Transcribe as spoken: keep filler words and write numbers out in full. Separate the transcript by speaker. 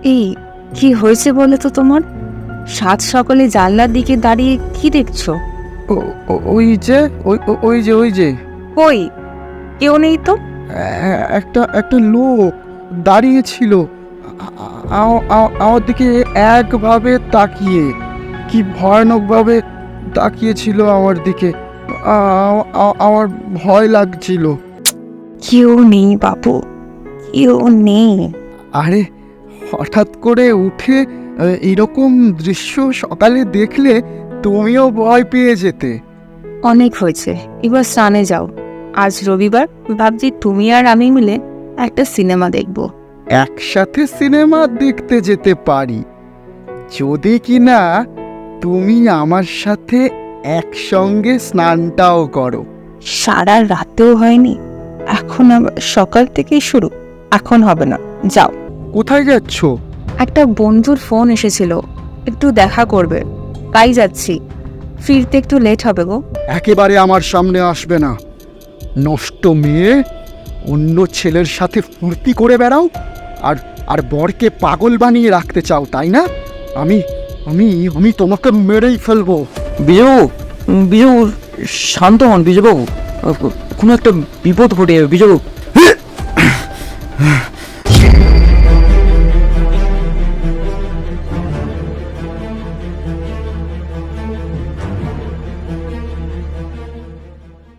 Speaker 1: এই কি হয়েছে বলে তো তোমার? সাত সকালে জানলার দিকে দাঁড়িয়ে কি দেখছো?
Speaker 2: ও- ও- ওই যে ওই ও- ওই যে ওই যে
Speaker 1: কই, কেউ নেই তো।
Speaker 2: এ- একটা একটা লোক দাঁড়িয়ে ছিল আ- আ- আ- আমার দিকে একভাবে তাকিয়ে, কি ভয়ানকভাবে তাকিয়েছিল আমার দিকে। আ- আ- আমার ভয় লাগছিল।
Speaker 1: কেউ নেই বাবু, কেউ নেই।
Speaker 2: আরে হঠাৎ করে উঠে আ, এরকম দৃশ্য সকালে দেখলে তুমিও ভয় পেয়ে যেতে।
Speaker 1: অনেক হয়েছে, এবার স্নানে যাও। আজ রবিবার, ভাবছি তুমি আর আমি মিলে একটা সিনেমা দেখব।
Speaker 2: একসাথে সিনেমা দেখতে যেতে পারি, যদি কিনা তুমি আমার সাথে একসঙ্গে স্নানটাও করো।
Speaker 1: সারা রাতেও হয়নি, এখন আবার সকাল থেকেই শুরু। এখন হবে না, যাও।
Speaker 2: কোথায় যাচ্ছ?
Speaker 1: একটা বন্ধুর ফোন এসেছিল, একটু দেখা করবে, তাই যাচ্ছি। ফিরতে একটু লেট হবে গো।
Speaker 2: একেবারে আমার সামনে আসবে না, নষ্ট মেয়ে। অন্য ছেলের সাথে ফুর্তি করে বেড়াও, আর আর বরকে পাগল বানিয়ে রাখতে চাও, তাই না? আমি আমি আমি তোমাকে মেরেই ফেলবো।
Speaker 3: বিজয়বাবু, বিজয়বাবু শান্ত হন বিজয়বাবু, কোনো একটা বিপদ ঘটে যাবে বিজয়বাবু।